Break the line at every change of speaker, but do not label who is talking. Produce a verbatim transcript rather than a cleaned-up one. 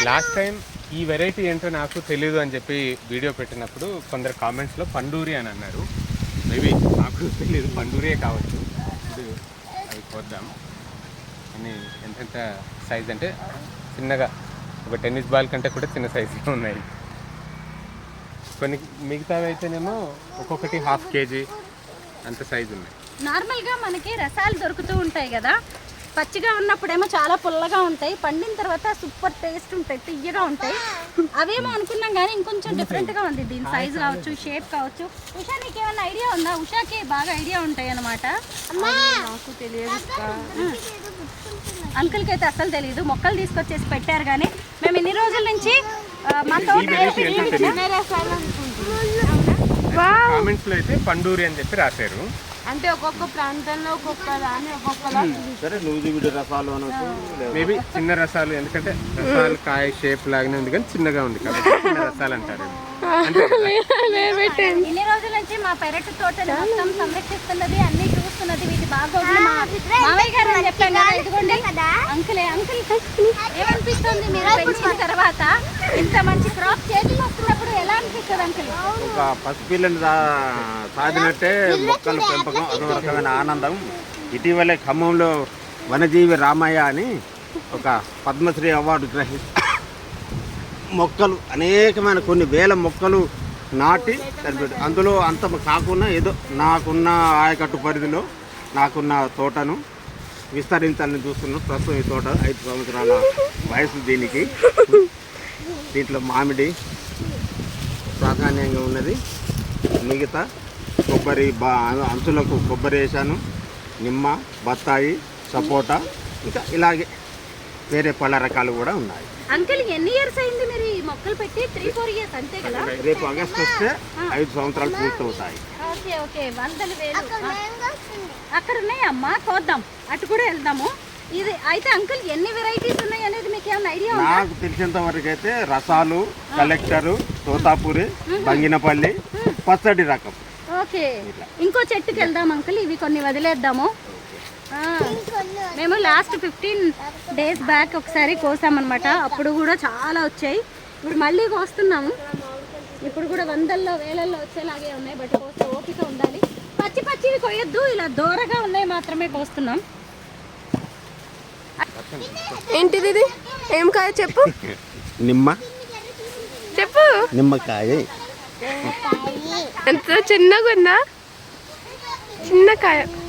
Last time ఈ variety ఏంటో నాకు తెలియదు అని చెప్పి వీడియో పెట్టినప్పుడు కొందరు కామెంట్స్లో పండూరి అని అన్నారు. మేబీ నాకు తెలియదు, పండూరియే కావచ్చు. ఇప్పుడు అవి చూద్దాం. అన్నీ ఎంతెంత సైజ్ అంటే చిన్నగా ఒక టెన్నిస్ బాల్ కంటే కూడా చిన్న సైజులో ఉన్నాయి. కొన్ని మిగతావి అయితేనేమో ఒక్కొక్కటి హాఫ్ కేజీ అంత సైజు ఉన్నాయి.
నార్మల్గా మనకి రసాలు దొరుకుతూ ఉంటాయి కదా, పచ్చిగా ఉన్నప్పుడేమో చాలా పుల్లగా ఉంటాయి, పండిన తర్వాత సూపర్ టేస్ట్ ఉంటాయి, తియ్యగా ఉంటాయి. అవేమో అనుకున్నాం కానీ ఇంకొంచెం డిఫరెంట్గా ఉంది దీని సైజ్ కావచ్చు, షేప్ కావచ్చు. ఉషా నీకు ఏమైనా ఐడియా ఉందా? ఉషాకి బాగా ఐడియా ఉంటాయి అన్నమాట.
నాకు తెలియదు,
అంకుల్కి అయితే అసలు తెలియదు. మొక్కలు తీసుకొచ్చేసి పెట్టారు కానీ మేము ఇన్ని రోజుల నుంచి మా తోట
కామెంట్స్ లో అయితే పండూరి అని చెప్పి రాశారు.
అంటే ఒక్కొక్క ప్రాంతంలో ఒక్కొక్క దాన్ని ఒక్కొక్కలా
మేబీ చిన్న రసాలు, ఎందుకంటే రసాలు కాయ షేప్ లాగానే ఉంది కానీ చిన్నగా ఉంది కాబట్టి చిన్న రసాలు అంటారు.
ఇన్ని రోజుల నుంచి మా పెరటి తోటని మొత్తం సంరక్షిస్తున్నది, అన్ని చూస్తున్నది, వీటి బాగా మావయ్య గారు అని చెప్పాను కదా. ఇదిగోండి అంకులే. అంకుల్ ఏమనిపిస్తుంది మీరు పెంచిన తర్వాత ఇంత మంచి క్రాప్ చేతికి వస్తున్నప్పుడు ఎలా అనిపిస్తుంది అంకుల్?
ఒక పసిపిల్లని సాధినట్టే మొక్కల పెంపకం అదో రకమైన ఆనందం. ఇటీవలే ఖమ్మంలో వనజీవి రామయ్య అని ఒక పద్మశ్రీ అవార్డు గ్రహి మొక్కలు అనేకమైన కొన్ని వేల మొక్కలు నాటి సరిపెట్టు. అందులో అంత కాకుండా ఏదో నాకున్న ఆయకట్టు పరిధిలో నాకున్న తోటను విస్తరించాలని చూస్తున్నాం. ప్రస్తుతం ఈ తోట ఐదు సంవత్సరాల వయసు దీనికి. దీంట్లో మామిడి ప్రాధాన్యంగా ఉన్నది. మిగతా కొబ్బరి బా అంచులకు కొబ్బరి వేసాను, నిమ్మ, బత్తాయి, సపోటా, ఇంకా ఇలాగే వేరే పళ్ళ రకాలు కూడా ఉన్నాయి.
అంకుల్ ఎన్ని ఇయర్స్ అయింది మీరు ఈ మొక్కలు పెట్టి? త్రీ ఫోర్ ఇయర్స్ అంతే కదా?
రేపు ఆగస్ట్ వస్తే ఐదు సంవత్సరాలు పూర్తవుతాయి.
ఓకే ఓకే, వందలు వేలు అక్కడ ఉన్నాయి అమ్మా, కోద్దాం, అటు కూడా వెళ్దాము. ఇది అయితే అంకుల్ ఎన్ని వెరైటీస్ ఉన్నాయి అనేది మీకు ఏమైనా ఐడియా ఉందా?
నాకు తెలిసినంత వరకు అయితే రసాలు, కలెక్టరు, తోతాపూరి, బంగినపల్లి, పచ్చడి రకం.
ఓకే, ఇంకో చెట్టుకి వెళ్దాం అంకుల్, ఇవి కొన్ని వదిలేద్దాము. మేము లాస్ట్ ఫిఫ్టీన్ డేస్ బ్యాక్ ఒకసారి కోసామన్నమాట, అప్పుడు కూడా చాలా వచ్చాయి. ఇప్పుడు మళ్ళీ కోస్తున్నాము. ఇప్పుడు కూడా వందల్లో వేలల్లో వచ్చేలాగే ఉన్నాయి, బట్ కోస్తే ఓపిక ఉండాలి. పచ్చి పచ్చివి కొయ్యొద్దు, ఇలా దూరగా ఉన్నాయి మాత్రమే కోస్తున్నాం.
ఏంటిది ఇది? ఏం కాయ చెప్పు?
నిమ్మ.
చెప్పు.
నిమ్మకాయ.
ఎంత చిన్నగా ఉందా? చిన్న కాయ.